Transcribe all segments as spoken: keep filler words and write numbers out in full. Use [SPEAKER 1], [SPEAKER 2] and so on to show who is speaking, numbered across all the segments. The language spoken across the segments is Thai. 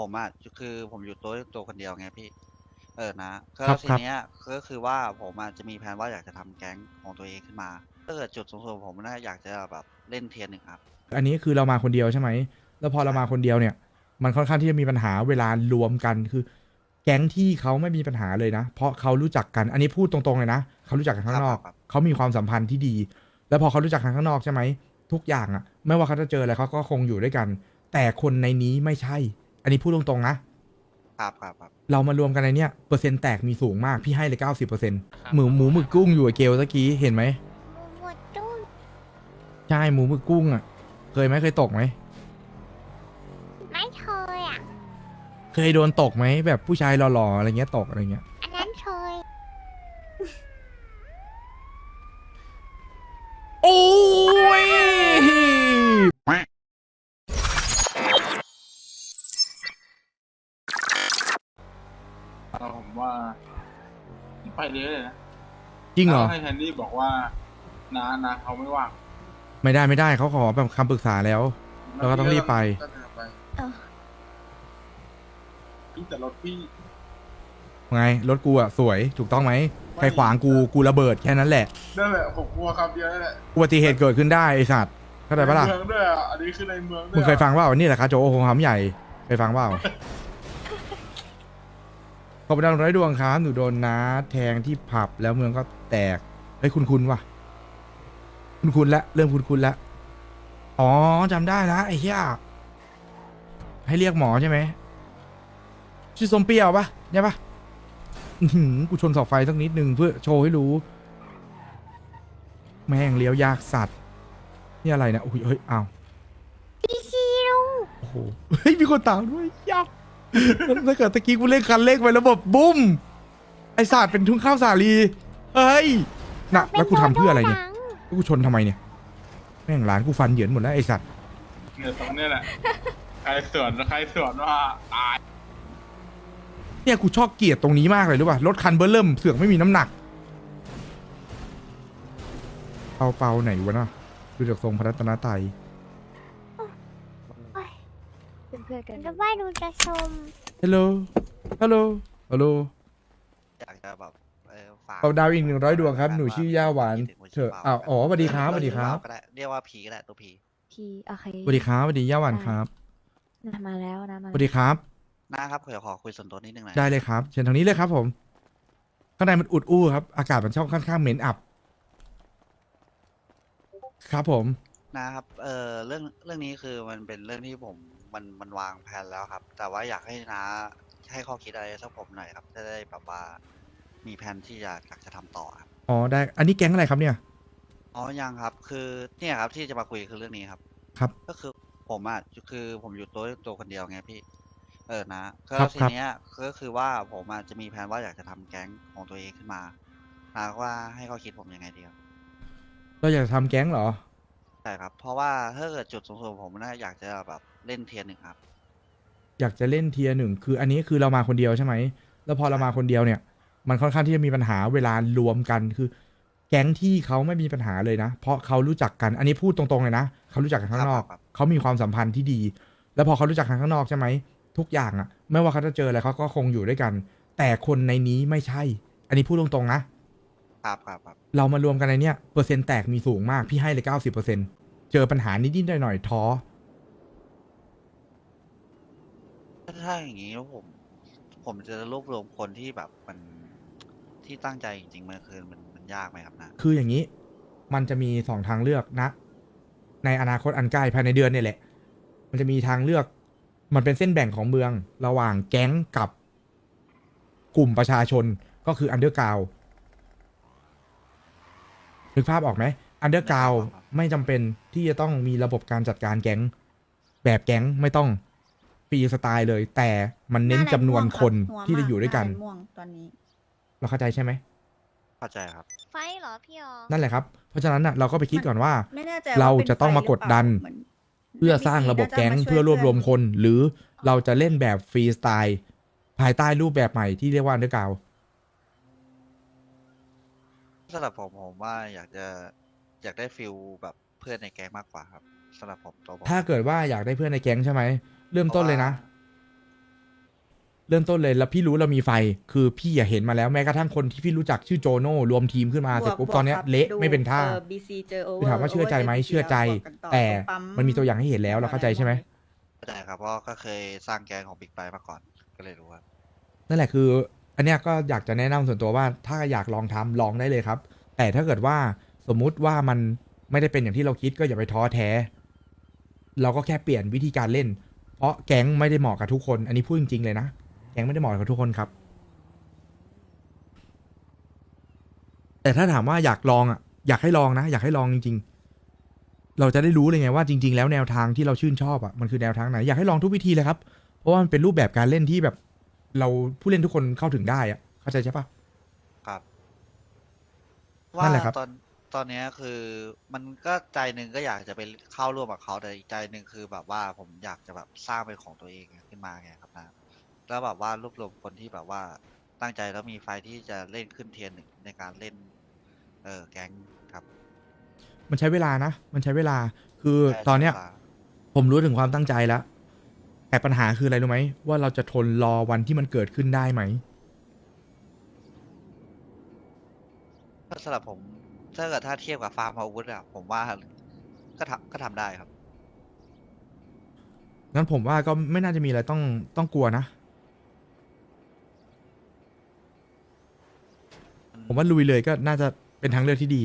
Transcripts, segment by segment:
[SPEAKER 1] ผมอ่ะคือผมอยู่ตัวตัวคนเดียวไงพี่เออนะก็
[SPEAKER 2] ครับครับ
[SPEAKER 1] ทีเนี้ยก็คือว่าผมอ่ะจะมีแผนว่าอยากจะทำแก๊งของตัวเองขึ้นมาถ้าเกิดจุดสูงสุดของผมน่าอยากจะแบบเล่นเทียร์หนึ่งครับ
[SPEAKER 2] อันนี้คือเรามาคนเดียวใช่ไหมแล้วพอเรามา
[SPEAKER 1] ใช่ครับ
[SPEAKER 2] คนเดียวเนี่ยมันค่อนข้างที่จะมีปัญหาเวลารวมกันคือแก๊งที่เขาไม่มีปัญหาเลยนะเพราะเขารู้จักกันอันนี้พูดตรงๆเลยนะเขารู้จักกัน
[SPEAKER 1] ค
[SPEAKER 2] ข้างนอก
[SPEAKER 1] รับครับครับ
[SPEAKER 2] เขามีความสัมพันธ์ที่ดีแล้วพอเขารู้จักกันข้างนอกใช่ไหมทุกอย่างอะไม่ว่าเขาจะเจออะไรเขาก็คงอยู่ด้วยกันแต่คนในนี้ไม่ใช่อันนี้พูดตรงๆนะครับ
[SPEAKER 1] ครับครับ
[SPEAKER 2] เรามารวมกันในเนี้ยเปอร์เซ็นต์แตกมีสูงมากพี่ให้เลยเก้าสิบเปอร์เซ็นต์
[SPEAKER 3] ครับ
[SPEAKER 2] หมูหมูหมึกกุ้งอยู่กับเกลตะกี้เห็นไหม
[SPEAKER 4] หมดตู้
[SPEAKER 2] ใช่หมูหมึกกุ้งอะเคยไหมเคยตกไหม
[SPEAKER 4] ไม่เคยอ่ะ
[SPEAKER 2] เคยโดนตกไหมแบบผู้ชายหล่อๆอะไรเงี้ยตกอะไรเงี้ย
[SPEAKER 4] อันนั้นเคย
[SPEAKER 2] โอ้ย
[SPEAKER 5] เราผมว่าไปเรื่อยเลยนะ
[SPEAKER 2] จริงเหรอ
[SPEAKER 5] แล้วให้แคนดี้บอกว่านานาเขาไม่ว่าง
[SPEAKER 2] ไม่ได้ไม่ได้เขาขอแบบคำปรึกษาแล้ว เราก็ต้องรีบไป
[SPEAKER 5] ก็เดินไป
[SPEAKER 4] เออ
[SPEAKER 5] พี่แต่รถพี่
[SPEAKER 2] ไงรถกูอะสวยถูกต้องไหมใครขวางกูกูระเบิดแค่นั้นแหละ
[SPEAKER 5] นั่นแหละผมกลัวคำเดียวนั่นแหละ
[SPEAKER 2] อุบัติเหตุเกิดขึ้นได้ไอสัตว์เข้าใจปะล่ะ
[SPEAKER 5] ในเมืองด้วยอ่ะอันนี้คือในเมืองด้วย
[SPEAKER 2] มึงเคยฟังว่านี่แหละครับโจโอโหหำใหญ่เคยฟังเปล่าขอบคุณดาวร้อยดวงครับหนูโดนน้าแทงที่ผับแล้วเมืองก็แตกเฮ้ยคุณคุณว่ะคุณคุณละเริ่มคุณคุณละอ๋อจำได้ละไอ้เหี้ยให้เรียกหมอใช่ไหมชื่อส้มเปรี้ยวปะใช่ปะอื้อหือกูชนเสาไฟสักนิดนึงเพื่อโชว์ให้รู้แม่งเลี้ยวยากสัตว์นี่อะไรนะโอ้ยเฮ้ยอ้าว
[SPEAKER 4] พี่ซีลุง
[SPEAKER 2] โอ้โหเฮ้ยมีคนตามด้วยยับถ้าเกิดตะกี้กูเล่นคันเร่งไประบบบุ้มไอศาสตร์เป็นทุ่งข้าวสาลีเฮ้ยนะแล้วกูทำเพื่ออะไรเนี่ยแล้วกูชนทำไมเนี่ยแม่งร้านกูฟันเหยินหมดแล้วไอสัตว์
[SPEAKER 5] เนี่ยตรงเนี้ยแหละ ใครสวนใครสวนว่าตาย
[SPEAKER 2] เนี่ยกูชอบเกลียดตรงนี้มากเลยรู้ป่ะรถคันเบอร์เริ่มเสือกไม่มีน้ำหนักเปาเปาไหนวะเนาะดูจากทรงพระรัตนตรัย
[SPEAKER 4] เป็นเพื่อนกันแล้วว่าดูจะชม
[SPEAKER 2] ฮัลโหลฮัลโหลฮัลโหล
[SPEAKER 1] อยากจะแบบเออฝาก
[SPEAKER 2] เอาดาวอีกหนึ่งร้อยดวงครับหนูชื่อย่าหวานเถอะอ้าวอ๋อสวัสดีครับสวัสดีครับ
[SPEAKER 1] ก็ได้เรียกว่าผีก็ได้ตัวผี
[SPEAKER 6] พี่โอเค
[SPEAKER 2] สวัสดีครับสวัสดีย่าหวานครับ
[SPEAKER 6] นะมาแล้วนะมา
[SPEAKER 2] สวัสดีครับ
[SPEAKER 1] นะครับขอขอคุยส่วนตัวนิดนึงหน่อย
[SPEAKER 2] ได้เลยครับเชิญทางนี้เลยครับผมข้างในมันอุดอู้ครับอากาศมันช่องค่อนข้างเหม็นอับ ครับผม
[SPEAKER 1] นะครับเออเรื่องเรื่องนี้คือมันเป็นเรื่องที่ผมมันมันวางแผนแล้วครับ แต่ว่าอยากให้น้าให้ข้อคิดอะไรสักผมหน่อยครับจะได้แบบว่ามีแผนที่จะอยากจะทำต่อครับ
[SPEAKER 2] อ๋อได้ อันนี้แก๊งอะไรครับเนี่ย
[SPEAKER 1] อ๋อยังครับคือเนี่ยครับที่จะมาคุยคือเรื่องนี้ครับ
[SPEAKER 2] ครับ
[SPEAKER 1] ก็คือผมอ่ะคือผมอยู่ตัวตัวคนเดียวไงพี่เออนะก็
[SPEAKER 2] ครับ
[SPEAKER 1] ที
[SPEAKER 2] ครับ
[SPEAKER 1] เนี้ยก็คือว่าผมอ่ะจะมีแผนว่าอยากจะทำแก๊งของตัวเองขึ้นมานะว่าให้เขาคิดผมยังไงดีครับ
[SPEAKER 2] เราอยากจะทำแก๊งเหรอ
[SPEAKER 1] ใช่ครับเพราะว่าถ้าเกิดจุดสูงสุดของผมน่าอยากจะแบบเล่นเทียร์หนึ่งครับ
[SPEAKER 2] อยากจะเล่นเทียร์หนึ่งคืออันนี้คือเรามาคนเดียวใช่ไหมแล้วพอเรามาคนเดียวเนี่ย มันค่อนข้างที่จะมีปัญหาเวลารวมกันคือ แก๊งที่เขาไม่มีปัญหาเลยนะ เพราะเขารู้จักกัน อันนี้พูดตรงๆเลยนะเขารู้จักกันข้างนอก
[SPEAKER 1] ครับครับ
[SPEAKER 2] เขามีความสัมพันธ์ที่ดี แล้วพอเขารู้จักกันข้างนอกใช่ไหมทุกอย่างอะไม่ว่าเขาจะเจออะไรเขาก็คงอยู่ด้วยกัน แต่คนในนี้ไม่ใช่ อันนี้พูดตรงๆนะครับ
[SPEAKER 1] ครับครับ
[SPEAKER 2] เรามารวมกันในเนี้ยเปอร์เซ็นต์แตกมีสูงมากพี่ให้เลยเก้าสิบเปอร์เซ็นต์เจอปัญหานิดๆหน่อยๆท้อ
[SPEAKER 1] ถ้าถ้าอย่างนี้แล้วผม ผมจะรวบรวมคนที่แบบมันที่ตั้งใจจริงๆมันคือมันมันยากไหมครับนะ
[SPEAKER 2] คืออย่างนี้ มันจะมีสองทางเลือกนะ ในอนาคตอันใกล้ภายในเดือนเนี่ยแหละ มันจะมีทางเลือก มันเป็นเส้นแบ่งของเมือง ระหว่างแก๊งกับกลุ่มประชาชน ก็คืออันเดอร์กราวนึกภาพออกไหมอันเดอร์กราว
[SPEAKER 1] นึกภาพออกครับ
[SPEAKER 2] ไม่จำเป็นที่จะต้องมีระบบการจัดการแก๊ง แบบแก๊งไม่ต้องฟรีสไตล์เลย แต่มันเน้นจำนวนคนที่จะอยู่ด้วยกัน
[SPEAKER 7] ม่วงตอนนี้
[SPEAKER 2] เราเข้าใจใช่ไหม
[SPEAKER 1] เข้าใจครับ
[SPEAKER 4] ไฟเหรอพี่อ๋อ
[SPEAKER 2] นั่นแหละครับ เพราะฉะนั้นน่ะเราก็ไปคิดก่อนว่า
[SPEAKER 7] ไม่แน่ใจ
[SPEAKER 2] เรา
[SPEAKER 7] ว่ป็น
[SPEAKER 2] จะต้องมากดดัน
[SPEAKER 7] ไฟหรือเปล่าหมืน
[SPEAKER 2] เพื่อสร้างระบบแก๊งเพื่อรวบรวมคน หรือเราจะเล่นแบบฟรีสไตล์ภายใต้รูปแบบใหม่ที่เรียกว่าอันเดอร์กราว
[SPEAKER 1] สำหรับผมผมว่าอยากจะอยากได้ฟิลแบบเพื่อนในแก๊งมากกว่าครับสำหรับผมตัวผม
[SPEAKER 2] ถ้าเกิดว่าอยากได้เพื่อนในแก๊งใช่ไหมเริ่มต้นเลยนะเริ่มต้นเลยแล้วพี่รู้เรามีไฟคือพี่อย่าเห็นมาแล้วแม้กระทั่งคนที่พี่รู้จักชื่อโจโน่รวมทีมขึ้นมาเสร็จปุ๊บตอนเนี้ยเละไม่เป็นท่า
[SPEAKER 3] บีซีเจอโอเวอ
[SPEAKER 2] คือ
[SPEAKER 3] ร์
[SPEAKER 2] ถามว่าเชื่อใจไหมเชื่อใจ แต่มันมีตัวอย่างให้เห็นแล้วเราเข้าใจใช่ไหม
[SPEAKER 1] เข้าใจครับเพราะก็เคยสร้างแก๊งของบิ๊กไบมาก่อนก็เลยรู้ว่า
[SPEAKER 2] นั่นแหละคือ อันเนี้ยก็อยากจะแนะนำส่วนตัวว่าถ้าอยากลองทำลองได้เลยครับ แต่ถ้าเกิดว่าสมมุติว่ามันไม่ได้เป็นอย่างที่เราคิดก็อย่าไปท้อแท้ เราก็แค่เปลี่ยนวิธีการเล่น เพราะแก๊งไม่ได้เหมาะกับทุกคน อันนี้พูดจริงๆเลยนะแก๊งไม่ได้เหมาะกับทุกคนครับ แต่ถ้าถามว่าอยากลองอ่ะอยากให้ลองนะอยากให้ลองจริงๆ เราจะได้รู้เลยไงว่าจริง ๆ แล้วแนวทางที่เราชื่นชอบอ่ะมันคือแนวทางไหนอยากให้ลองทุกวิธีเลยครับเพราะว่ามันเป็นรูปแบบการเล่นที่แบบ เราผู้เล่นทุกคนเข้าถึงได้อ่ะเข้าใจใช่ปะ
[SPEAKER 1] ครับ
[SPEAKER 2] นั่
[SPEAKER 1] ว่าน
[SPEAKER 2] แหละครับ
[SPEAKER 1] ตอนตอนเนี้ยคือมันก็ใจหนึ่งก็อยากจะไปเข้าร่วมกับเขาแต่อีกใจหนึ่งคือแบบว่าผมอยากจะแบบสร้างเป็นของตัวเองขึ้นมาไงครับนะแล้วแบบว่ารวบรวมคนที่แบบว่าตั้งใจแล้วมีไฟที่จะเล่นขึ้นเทียนหนึ่งในการเล่น เออแก๊งครับ
[SPEAKER 2] มันใช้เวลานะ มันใช้เวลา คือ
[SPEAKER 1] ใช่
[SPEAKER 2] ตอนเนี้ย
[SPEAKER 1] ใช้วลา
[SPEAKER 2] ผมรู้ถึงความตั้งใจแล้ว แต่ปัญหาคืออะไรรู้ไหม ว่าเราจะทนรอวันที่มันเกิดขึ้นได้ไหม
[SPEAKER 1] ก็สำหรับผมถ้าเกิดถ้าเทียบกับฟาร์มอาวุธอะผมว่าก็ทำก็ทำได้ครับ
[SPEAKER 2] งั้นผมว่าก็ไม่น่าจะมีอะไรต้องต้องกลัวนะ ผมว่าลุยเลยก็น่าจะเป็นทางเลือกที่ดี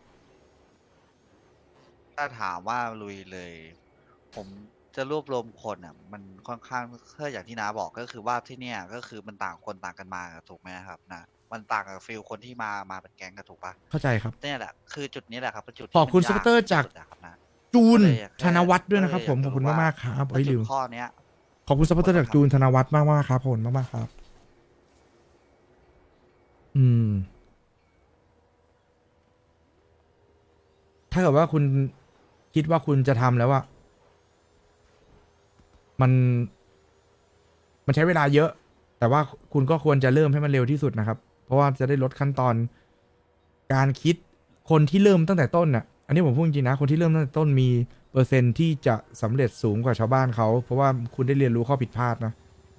[SPEAKER 1] ถ้าถามว่าลุยเลย ผมจะรวบรวมคนอ่ะ มันค่อนข้างเพื่ออย่างที่น้าบอกก็คือว่าที่เนี่ยก็คือมันต่างคนต่างกันมาถูกไหมครับนะมันต่างกับฟิลคนที่มามาเป็นแก๊งกันถูกปะ
[SPEAKER 2] เข้าใจครับ
[SPEAKER 1] เนี่ยแหละคือจุดนี้แหละครับเป็นจุด
[SPEAKER 2] ขอบคุณ
[SPEAKER 1] ที่
[SPEAKER 2] ซั
[SPEAKER 1] มัน
[SPEAKER 2] พพอร์ตเตอร์
[SPEAKER 1] ย
[SPEAKER 2] จาก
[SPEAKER 1] ที่สุดอะครับนะ
[SPEAKER 2] จูน
[SPEAKER 1] ก็เลยอยาก
[SPEAKER 2] ธนวัฒน์ด้วยนะครับ
[SPEAKER 1] ก็
[SPEAKER 2] ผ
[SPEAKER 1] เลย
[SPEAKER 2] ม
[SPEAKER 1] อยาก
[SPEAKER 2] ขอบคุณ
[SPEAKER 1] รู้ว่า
[SPEAKER 2] มากๆครับ
[SPEAKER 1] ว่า
[SPEAKER 2] เอ้ย
[SPEAKER 1] จุ
[SPEAKER 2] ลื
[SPEAKER 1] ด
[SPEAKER 2] ม
[SPEAKER 1] ข้อเนี้ย
[SPEAKER 2] ขอบคุณซัพพอร์ตเตอร์จากจูนธนวัฒน์มากมากๆครับผมมากมากๆครับ อืม ถ้าเกิดว่าคุณคิดว่าคุณจะทำแล้วอะมัน มันใช้เวลาเยอะ แต่ว่าคุณก็ควรจะเริ่มให้มันเร็วที่สุดนะครับ เพราะว่าจะได้ลดขั้นตอน การคิดคนที่เริ่มตั้งแต่ต้นน่ะ อันนี้ผมพูดจริงๆนะ คนที่เริ่มตั้งแต่ต้นมีเปอร์เซ็นต์ที่จะสำเร็จสูงกว่าชาวบ้านเขา เพราะว่าคุณได้เรียนรู้ข้อผิดพลาดนะ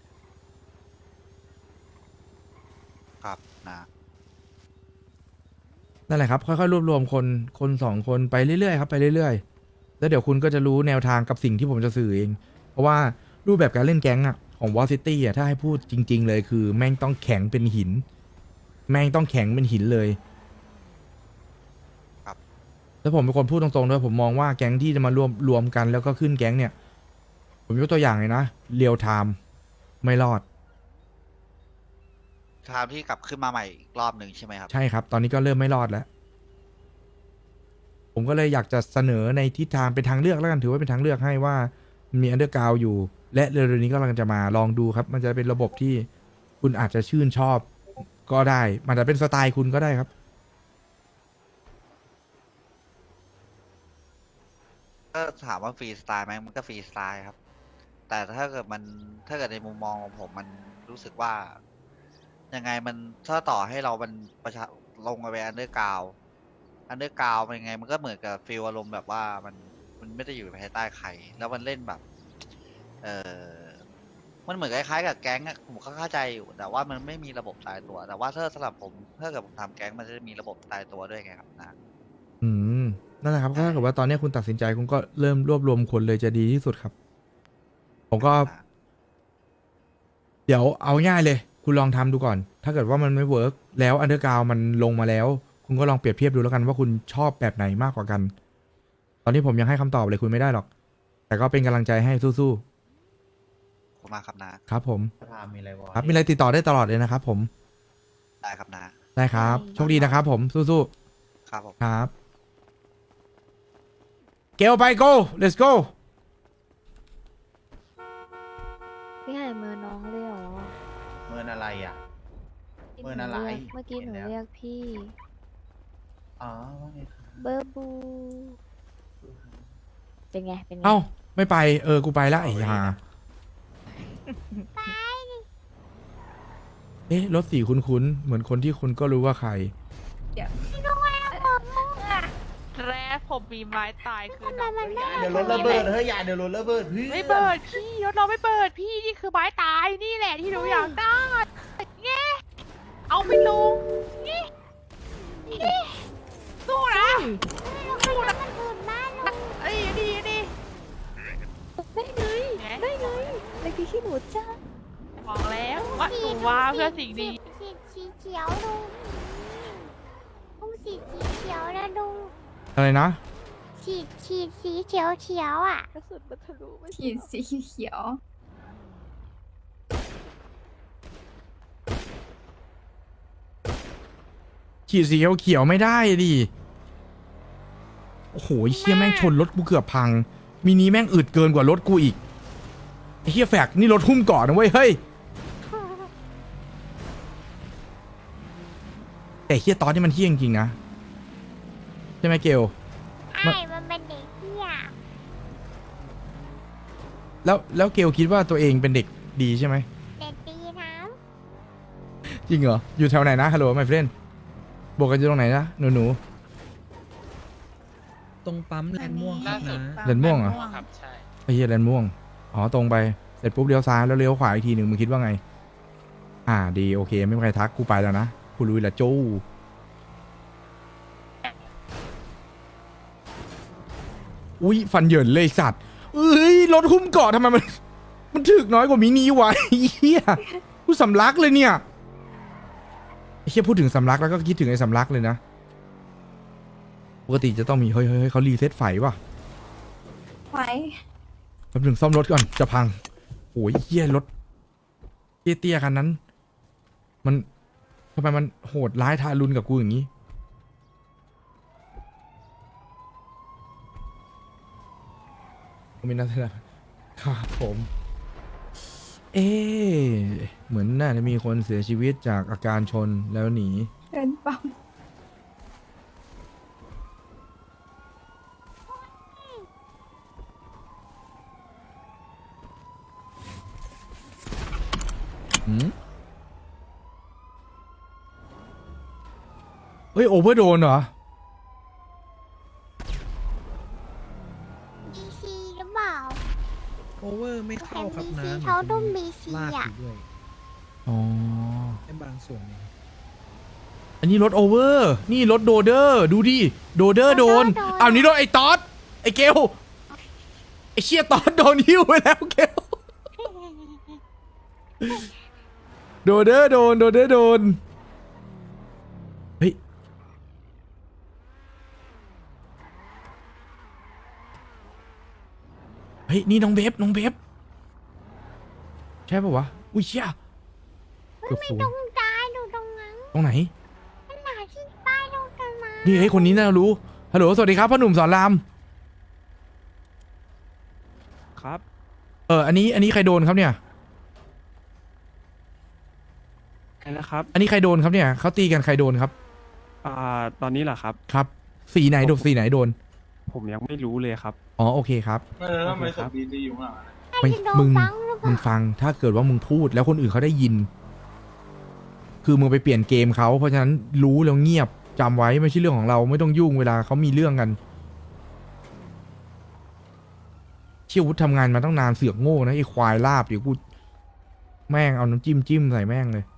[SPEAKER 1] ครับนะ
[SPEAKER 2] นั่นแหละครับ ค่อยๆ รวบรวมคน คนสองคนไปเรื่อยๆครับ ไปเรื่อยๆ แล้วเดี๋ยวคุณก็จะรู้แนวทางกับสิ่งที่ผมจะสื่อเอง เพราะว่ารูปแบบการเล่นแก๊งอะของวอลซิตี้อะถ้าให้พูดจริง ๆ เลยคือ แม่งต้องแข็งเป็นหิน แม่งต้องแข็งเป็นหินเลย
[SPEAKER 1] ครับ
[SPEAKER 2] แล้วผมเป็นคนพูดตรงๆด้วยผมมองว่าแก๊งที่จะมารวมรวมกันแล้วก็ขึ้นแก๊งเนี่ย ผมยกตัวอย่างเลยนะเรียวไทม์ไม่รอด
[SPEAKER 1] ทามที่กลับขึ้นมาใหม่อีกรอบหนึ่งใช่ไหมครับ
[SPEAKER 2] ใช่ครับ ตอนนี้ก็เริ่มไม่รอดแล้ว ผมก็เลยอยากจะเสนอในทิศทางเป็นทางเลือกแล้วกันถือว่าเป็นทางเลือกให้ว่ามีอันเดอร์กราวอยู่ และเร็วๆนี้ก็กำลังจะมาลองดูครับ มันจะเป็นระบบที่คุณอาจจะชื่นชอบก็ได้ มันจะเป็นสไตล์คุณก็ได้ครับ
[SPEAKER 1] ก็ถามว่าฟรีสไตล์ไหมมันก็ฟรีสไตล์ครับ แต่ถ้าเกิดมันถ้าเกิดในมุมมองของผมมันรู้สึกว่า ยังไงมันถ้าต่อให้เรามันประชาลงไปอันเดอร์กราวอันเดอร์กราวมันยังไง มันก็เหมือนกับฟีลอารมณ์แบบว่ามันมันไม่ได้อยู่ภายใต้ใคร แล้วมันเล่นแบบ เออมันเหมือนคล้ายๆกับแก๊งอะผมก็เข้าใจอยู่ แต่ว่ามันไม่มีระบบตายตัว แต่ว่าถ้าสำหรับผมถ้าเกิดผมทำแก๊งมันจะมีระบบตายตัวด้วยไงครับนะ
[SPEAKER 2] อืมนั่นแหละครับถ้าเกิดว่าตอนนี้คุณตัดสินใจคุณก็เริ่มรวบรวมคนเลยจะดีที่สุดครับ ผมก็ เดี๋ยวเอาง่ายเลย คุณลองทำดูก่อน ถ้าเกิดว่ามันไม่เวิร์กแล้วอันเดอร์กราวมันลงมาแล้ว คุณก็ลองเปรียบเทียบดูแล้วกันว่าคุณชอบแบบไหนมากกว่ากัน ตอนนี้ผมยังให้คำตอบเลยคุณไม่ได้หรอก แต่ก็เป็นกำลังใจให้สู้
[SPEAKER 1] ขอบคุณมากครับนะ
[SPEAKER 2] ๆครับ ผม
[SPEAKER 7] ประธานมีอะไรวะ
[SPEAKER 2] ครับมีอะไรติดต่อได้ตลอดเลยนะครับ ผม
[SPEAKER 1] ได้ครับนะ
[SPEAKER 2] ได้ครับ โชคดีนะครับ ผมสู้
[SPEAKER 1] ครับผม
[SPEAKER 2] ๆครับเกลไป go let's go
[SPEAKER 6] พี่หายมือน้องเลยเหรอ
[SPEAKER 7] เมินอะไรอ่ะ เมินอะไร
[SPEAKER 6] เมื่อกี้หนู
[SPEAKER 7] เห็นแล้ว
[SPEAKER 6] เรียกพี่
[SPEAKER 7] อ๋อว่าไงครับ
[SPEAKER 6] เบอร์บู เป็นไง เป็นไง
[SPEAKER 2] เอ้าไม่ไปเออกูไปละไอ้ห่าเอ๊ะรถสีคุ้นๆเหมือนคนที่คุณก็รู้ว่าใคร
[SPEAKER 8] แรป
[SPEAKER 3] ผมมีไม้ตายคือน้อง
[SPEAKER 4] มันไม่
[SPEAKER 7] เดี๋ยวรถระเบิดเฮ้ยอย่าเดี๋ยวรถระเบิดเฮ้ย
[SPEAKER 3] ไม่เปิดพี่รถเราไม่เปิดพี่นี่คือไม้ตายนี่แหละที่หนูอยากได้เงี้เอาไปลงนี่นี่สู้นะสู้นะ
[SPEAKER 4] มันถูกบ้านลง
[SPEAKER 3] เอ้ยดีดี
[SPEAKER 6] ได้ไง ได้ไงเล็กที่ขี้หนูจ้า
[SPEAKER 3] บอกแล้วว่าหนูว่าเพื่อสิ่งดี
[SPEAKER 4] สีสีเขียวลุงลุงสีสีเขียวนะลุง
[SPEAKER 2] อะไรนะ
[SPEAKER 4] ฉีดฉีดสีเขียวเขียวอ่ะ
[SPEAKER 6] กระสุนมันทะลุไม่
[SPEAKER 8] ขีดสีเขียว
[SPEAKER 2] ขีดสีเขียวๆไม่ได้ดิโอ้โหไอ้เฮียแม่งชนรถกูเกือบพัง มินิแม่งอึดเกินกว่ารถกูอีกไอ้เฮียแฟกนี่รถหุ้มเกาะนะเว้ยเฮ้ยแต่เฮียตอนนี้มันเฮี้ยจริงๆนะใช่ไหมเกล
[SPEAKER 4] ไอ้มันเป็นเด็กเที่ย
[SPEAKER 2] แล้วแล้วเกลคิดว่าตัวเองเป็นเด็กดีใช่ไหม
[SPEAKER 4] เด็กดีนะ
[SPEAKER 2] จริงเหรออยู่แถวไหนนะฮัลโหลไมเฟรนบอกกันอยู่ตรงไหนนะหนูหนู
[SPEAKER 9] ตรงปั๊มแลนด์ม่วงครับนะ
[SPEAKER 2] แลนด์ม่วงเหรอ
[SPEAKER 9] ครับใช่
[SPEAKER 2] ไอ้เฮียแลนด์ม่วงอ๋อตรงไปเสร็จปุ๊บเลี้ยวซ้ายแล้วเลี้ยวขวาอีกทีหนึ่งมึงคิดว่าไงอ่าดีโอเคไม่มีใครทักกูไปแล้วนะกูลุยละจู้อุ้ยฟันเหยินเลยไอ้สัตว์เอ้ยรถหุ้มเกาะทำไมมัน มันถึกน้อยกว่ามินิวะไอ้เฮียกูสำลักเลยเนี่ยไอ้เฮียพูดถึงสำลักแล้วก็คิดถึงไอ้สำลักเลยนะปกติจะต้องมีเฮ้ยเฮ้ยเฮ้ยเขารีเซ็ตไฟว่ะ
[SPEAKER 8] ไว้
[SPEAKER 2] แป๊บนึงซ่อมรถก่อนจะพังโอ้ยเฮียรถเตี้ยๆคันนั้น มันทำไมมันโหดร้ายทารุณกับกูอย่างนี้ผมมีนักแสดงครับผม เอ๊ะเหมือนน่าจะมีคนเสียชีวิตจากอาการชนแล้วหนี
[SPEAKER 8] เดินปั๊ม
[SPEAKER 2] หืมเฮ้ย โอเวอร์โดนเหรอ
[SPEAKER 4] บีซีหรือเปล่า
[SPEAKER 9] โอเวอร์ไม่เข้าครับ
[SPEAKER 4] บี
[SPEAKER 9] นะ
[SPEAKER 4] ซีเขาต้องบีซี
[SPEAKER 9] ลากอ
[SPEAKER 4] อ่ะ
[SPEAKER 9] ยู่ด้วย
[SPEAKER 2] อ๋อ
[SPEAKER 9] ในบางส่วนเนี่ย
[SPEAKER 2] อันนี้รถโอเวอร์ นี่รถโดเดอร์ ดูดิ โดเดอร์โดน
[SPEAKER 4] โดเดอร์โดน
[SPEAKER 2] อ้าวนี่รถไอ้ตอดไอ้เกลไอ้เชี่ยตอดโดนหิ้วไปแล้วเกลโดเดอร์โดน โดเดอร์โดน เฮ้ย เฮ้ย นี่น้องเบฟน้องเบฟใช่ปะวะ อุ้ยเชี่ยเกือบ
[SPEAKER 4] ไม่
[SPEAKER 2] ศูน
[SPEAKER 4] ตร
[SPEAKER 2] ย์
[SPEAKER 4] งตายดูตรงนั้น
[SPEAKER 2] ตรงไหน
[SPEAKER 4] ขนาดที่ป้ายตรงกันมา
[SPEAKER 2] นี่ไอ้ยคนนี้น่ารู้ ฮัลโหล สวัสดีครับพ่อหนุ่มสอนราม
[SPEAKER 9] ครับ
[SPEAKER 2] เออ อันนี้ อันนี้ใครโดนครับเนี่ย
[SPEAKER 10] ใช่แล้วครับ
[SPEAKER 2] อันนี้ใครโดนครับเนี่ยเขาตีกันใครโดนครับ
[SPEAKER 10] อ่า ตอนนี้เหรอครับ
[SPEAKER 2] ครับ สีไหนโดน สีไหนโดน
[SPEAKER 10] ผมยังไม่รู้เลยครับ
[SPEAKER 2] อ๋อ โอเคครับ
[SPEAKER 5] เออทำไมศพดีๆอยู่ข้างหลังอะ
[SPEAKER 2] ไม่
[SPEAKER 4] จะโดน
[SPEAKER 2] มึง
[SPEAKER 4] บังหรือเป
[SPEAKER 2] มึ
[SPEAKER 4] ล่าง
[SPEAKER 2] ฟัง ถ้าเกิดว่ามึงพูดแล้วคนอื่นเขาได้ยิน คือมึงไปเปลี่ยนเกมเขาเพราะฉะนั้นรู้แล้วเงียบจำไว้ไม่ใช่เรื่องของเราไม่ต้องยุ่งเวลาเขามีเรื่องกันเชี่ยวุฒทำงานมาตั้งนานเสือกโง่นะไอ้ควายลาบเดี๋ยวกูแม่งเอาน้ำจิ้มจิ้มใส่แม่งเลย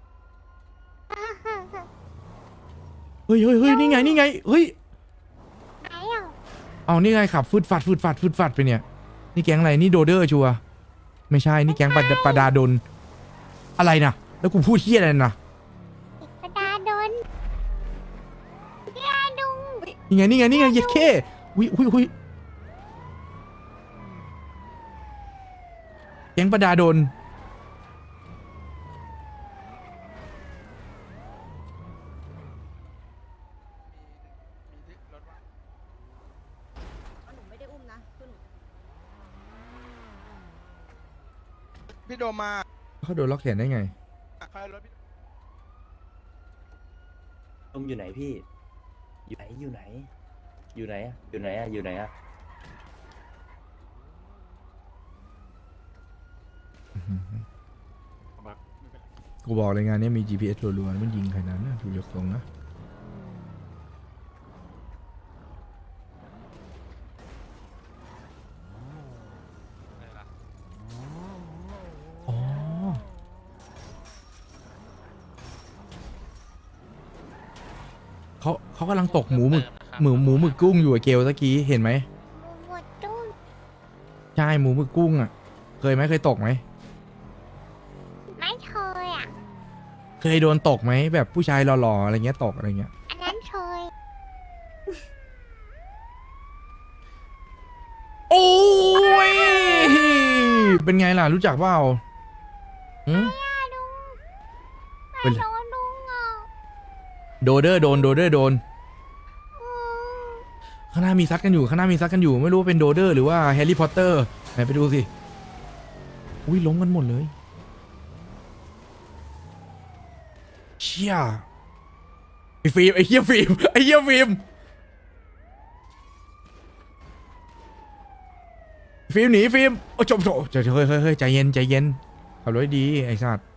[SPEAKER 2] เฮ้ยเฮ้ยเฮ้ยนี่ไงนี่ไงเฮ้ย
[SPEAKER 4] ไหนอ่ะ
[SPEAKER 2] เอานี่ไงขับฟืดฟัดฟืดฟัดฟืดฟัดไปเนี่ยนี่แก๊งอะไรนี่โดเดอร์ชัวร์ไม่ใช่นี่แก๊งปะปะดาดนอะไรนะแล้วกูพูดเฮี้ยอะไรนะ
[SPEAKER 4] กระดาษโดนกระดาษดุง
[SPEAKER 2] นี่ไงนี่ไงนี่ไงเย็ดเข้วิวิวิแก๊งปะดาดนพี่โดมาเขาโดนล็อกแขนได้ไง
[SPEAKER 11] ลมอยู่ไหนพี่ อยู่ไหน อยู่ไหน อยู่ไหนอะอยู่ไหนอะอยู่ไหนอะ
[SPEAKER 2] กูบอกเลยงานนี้มี จี พี เอส รัวๆมันยิงใครนั้นนะดูยกทรงนะเขาเขากำลังตกหมูหมึกหมูหมูหมึกกุ้งอยู่อะเกลตะกี้เห็นไหม
[SPEAKER 4] หมดตู้
[SPEAKER 2] ใช่หมูหมึกกุ้งอ่ะ เคยไหมเคยตกไหม
[SPEAKER 4] ไม่เคยอ่ะ
[SPEAKER 2] เคยโดนตกไหมแบบผู้ชายหล่อๆอะไรเงี้ยตกอะไรเงี้ย
[SPEAKER 4] อันนั้นเคย
[SPEAKER 2] โอ้ยเป็นไงล่ะรู้จักเปล่าหืม
[SPEAKER 4] ย่าลุง
[SPEAKER 2] เป็
[SPEAKER 4] ไม่
[SPEAKER 2] นไร
[SPEAKER 4] โดนลุงอ่ะ
[SPEAKER 2] โดเดอร์โดนโดเดอร์โดน
[SPEAKER 4] อืม
[SPEAKER 2] ข้างหน้ามีซัดกันอยู่ข้างหน้ามีซัดกันอยู่ไม่รู้ว่าเป็นโดเดอร์หรือว่าแฮร์รี่พอตเตอร์ไหนไปดูสิอุ้ยล้มกันหมดเลยเชี่ยไอ้ฟิล์มไอ้เหี้ยฟิล์มไอ้เหี้ยฟิล์มฟิล์มหนีฟิล์มโอ้จบจบเฮ้ยเฮ้ยเฮ้ยใจเย็นใจเย็นขับรถดีไอ้สัตว์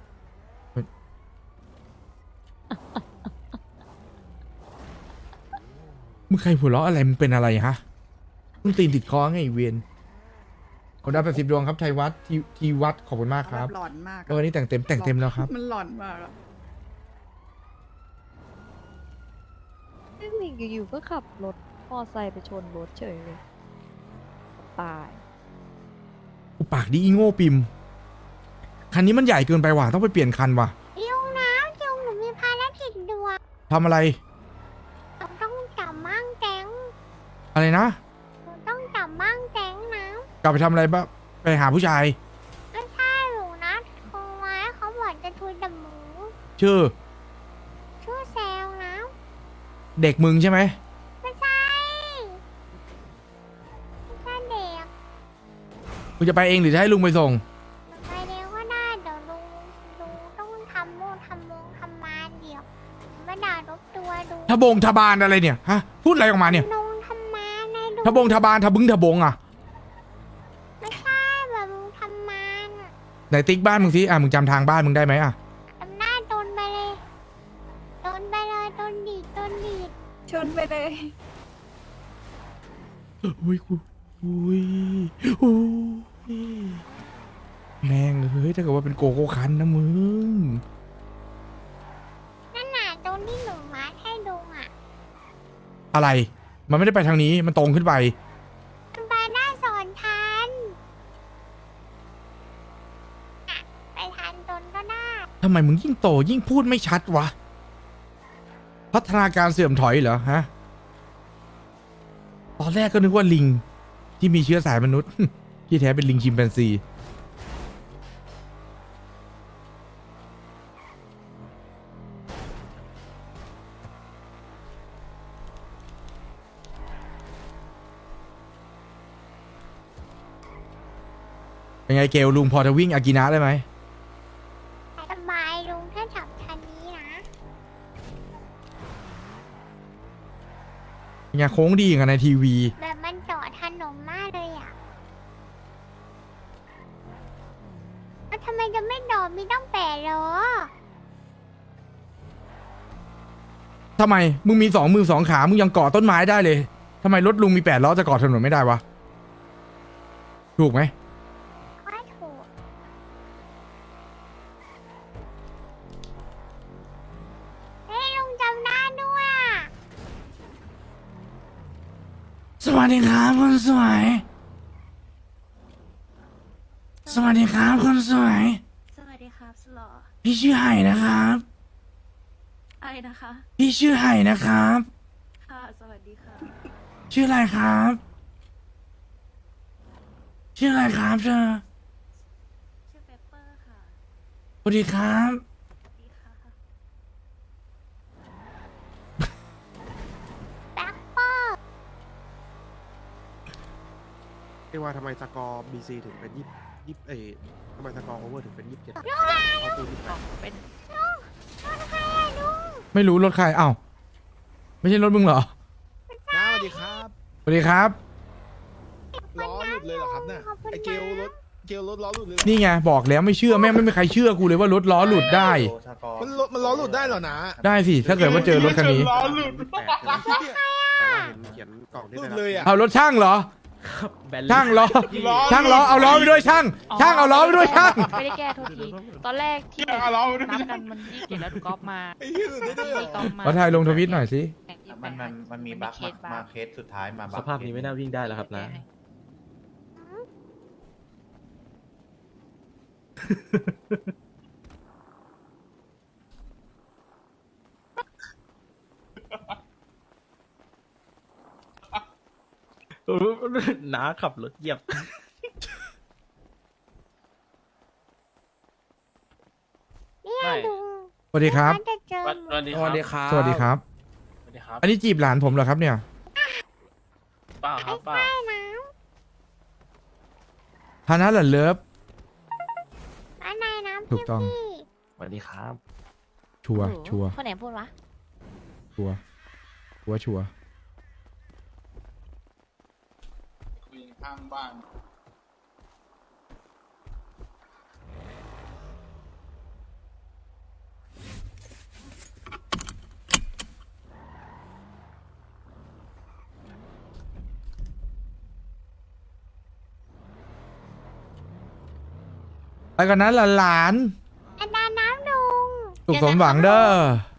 [SPEAKER 2] มึงใครหัวเราะอะไรมึงเป็นอะไรฮะมึงตีนติดคอไงไอ้เวียนขอบคุณดาวแปดสิบดวงครับไทยวัดทีทีวัดขอบคุณมากครับ
[SPEAKER 8] หลอนมาก
[SPEAKER 2] เออวันนี้แต่งเต็มแต่งเต็มแล้วครับ
[SPEAKER 8] มันหลอนมากอะ
[SPEAKER 6] ซึ่งอยู่ๆก็ขับรถมอไซค์ไปชนรถเฉยเลย ตาย
[SPEAKER 2] กูปากดีอีโง่ปิมคันนี้มันใหญ่เกินไปว่ะต้องไปเปลี่ยนคันว่ะ
[SPEAKER 4] ลุงนะลุงหนูมีภารกิจด่วน
[SPEAKER 2] ทำอะไร
[SPEAKER 4] หนูต้องจับมั่งแจ้ง
[SPEAKER 2] อะไรนะ
[SPEAKER 4] หนูต้องจับมั่งแจ้งนะ
[SPEAKER 2] กลับไปทำอะไรบ้างไปหาผู้ชาย
[SPEAKER 4] ไม่ใช่หนูนะโทรไว้เขาบอกจะทุยดับหมู
[SPEAKER 2] ชื่อ
[SPEAKER 4] ชื่อแซวนะ
[SPEAKER 2] เด็กมึงใช่ไหม
[SPEAKER 4] ไม่ใช่ไม่ใช่เด็ก
[SPEAKER 2] มึงจะไปเองหรือจะให้ลุงไปส่ง
[SPEAKER 4] ไปเร็วก็ได้เดี๋ยวลุงลุงต้องทำโม่ทำมงทำมาเดี๋ยวไม่ด่ารบตัวดู
[SPEAKER 2] ทะบงทะบานอะไรเนี่ยฮะพูดอะไรออกมาเนี่ย
[SPEAKER 4] ลุงทำมาในลุง
[SPEAKER 2] ทะบงทะบานทะบึงทะบงอ่ะ
[SPEAKER 4] ไม่ใช่แบบลุงทำมาน่ะ
[SPEAKER 2] ไหนติ๊กบ้านมึงสิอ่ะมึงจำทางบ้านมึงได้ไหมอ่ะ
[SPEAKER 4] ทำหน้าโดนไปเลยโดนไปเลยโดนดีดโดนดีด
[SPEAKER 8] ชนไปเลย
[SPEAKER 2] อุ้ยกูอุ้ยอุ้ยแม่งเฮ้ยถ้าเกิดว่าเป็นโกโก้คันนะมึง
[SPEAKER 4] นั่นน่ะตรงที่หนูมาให้ลุงอ่ะ
[SPEAKER 2] อะไร มันไม่ได้ไปทางนี้มันตรงขึ้นไป
[SPEAKER 4] มันไปได้สอนทันอ่ะไปทันตนก็ได้
[SPEAKER 2] ทำไมมึงยิ่งโตยิ่งพูดไม่ชัดวะ พัฒนาการเสื่อมถอยเหรอฮะ ตอนแรกก็นึกว่าลิง ที่มีเชื้อสายมนุษย์ ที่แท้เป็นลิงชิมแปนซี เป็นไงเกลลุงพอจะวิ่งอากินะได้ไหม
[SPEAKER 4] สบายลุงถ้าจับทันนี้นะ
[SPEAKER 2] เป็นไงโค้งดีกันในทีวี
[SPEAKER 4] แบบมันเจาะถนนมากเลยอ่ะแล้วทำไมจะไม่โดดมีต้องแปดล้อ
[SPEAKER 2] ทำไม มึงมีสองมือสองขา มึงยังเกาะต้นไม้ได้เลย ทำไมรถลุงมีแปดล้อจะเกาะถนนไม่ได้วะ ถูกไหม
[SPEAKER 4] ว่าถูกเฮ้ยลุงจำได้ด้วยอะ
[SPEAKER 2] สวัสดีครับคนสวย สวัสดีครับคนสวย
[SPEAKER 6] สวัสดีครับสลอ
[SPEAKER 2] พี่ชื่อไห่นะครับ
[SPEAKER 6] อะไรนะคะ
[SPEAKER 2] พี่ชื่อไห่นะครับ
[SPEAKER 6] ค่ะ สวัสดีค่ะ
[SPEAKER 2] ชื่ออะไรครับ ชื่ออะไรครับเธอ
[SPEAKER 6] ชื่อเปปเปอร์ค่ะ
[SPEAKER 2] สวัสดีครับ
[SPEAKER 6] สวัสดีค่ะ
[SPEAKER 4] แบ็คเปอร์
[SPEAKER 7] เรียกว่าทำไมสกอร์บีซีถึงเป็นยี่ยี่เอทำไมสกอร์โอเวอร์ถึงเป็นยี่สิบเจ็ดเอาตัวที่แปด
[SPEAKER 3] เป็น
[SPEAKER 4] รถใครอะลุง
[SPEAKER 2] ไม่รู้รถใครอ้าวไม่ใช่รถมึงเหรอ
[SPEAKER 7] น้าสวัสดีครับ
[SPEAKER 2] สวัสดีครับ
[SPEAKER 7] ล้อหลุดเลยเหรอครับเนี่ย
[SPEAKER 4] ขอบคุณ
[SPEAKER 7] ไอเกลรถเกลรถล้อหลุดเลยเหรอ
[SPEAKER 2] นี่ไงบอกแล้วไม่เชื่อแม่งไม่มีใครเชื่อกูเลยว่ารถล้อหลุดได้
[SPEAKER 7] มันรถมันล้อหลุดได้เหรอนะ
[SPEAKER 2] ได้สิถ้าเกิดว่าเจอรถคันนี้
[SPEAKER 5] ล้อหลุด
[SPEAKER 7] แต่ว่าเห็นเขียนกล่องที่ได้รับเลยอ่ะ
[SPEAKER 2] เอารถช่างเหรอ ช่างล้อ ช่างล้อเอาล้อไปด้วยช่าง ช่างเอาล้อไปด้วยช่าง
[SPEAKER 3] ไม่ได้แก้โทษที ตอนแรกที่
[SPEAKER 5] เอาล้อไปด้วย
[SPEAKER 3] นับกันมันยี่สิบเจ็ดแล้วดูกอล์ฟมา
[SPEAKER 7] ไอ้เหี้ยหลุดได้ด้วยเหร
[SPEAKER 3] มีกอ
[SPEAKER 7] อ
[SPEAKER 3] ล์ฟมา
[SPEAKER 2] ขอถ่ายลงทวิตหน่อยสิ
[SPEAKER 3] แข่งมันมันมันมีบั๊กมาเคสสุดท้ายมา
[SPEAKER 11] สภาพนี้ไม่น่าวิ่งได้แล้วครับนะ น้าขับรถเหยียบ
[SPEAKER 4] เนี่ยลุง
[SPEAKER 2] สวัสดีครับ
[SPEAKER 4] เขาจะเจอหมด
[SPEAKER 5] สวัสดีครับ
[SPEAKER 2] สวัสดีครับ
[SPEAKER 5] สวัสดีครับ
[SPEAKER 2] อันนี้จีบหลานผมเหรอครับเนี่ย
[SPEAKER 5] เปล่าครับเปล่า
[SPEAKER 4] ใช่นะ
[SPEAKER 2] ฮานะเหรอเลิฟ
[SPEAKER 4] อันไหนนะ
[SPEAKER 2] ถู
[SPEAKER 4] พี่
[SPEAKER 2] กต้อง
[SPEAKER 4] พี่
[SPEAKER 11] สวัสดีครับ
[SPEAKER 2] ชัวร์ชัวร์
[SPEAKER 6] คนไหนพูดวะ
[SPEAKER 2] ชัวร์ชัวร์ชัวร์
[SPEAKER 5] คุยข้างบ้าน
[SPEAKER 2] ไปกันนั้นหลาน
[SPEAKER 4] อันนั้นน้ำลุง
[SPEAKER 2] ๆสุขสมหวังเด้อ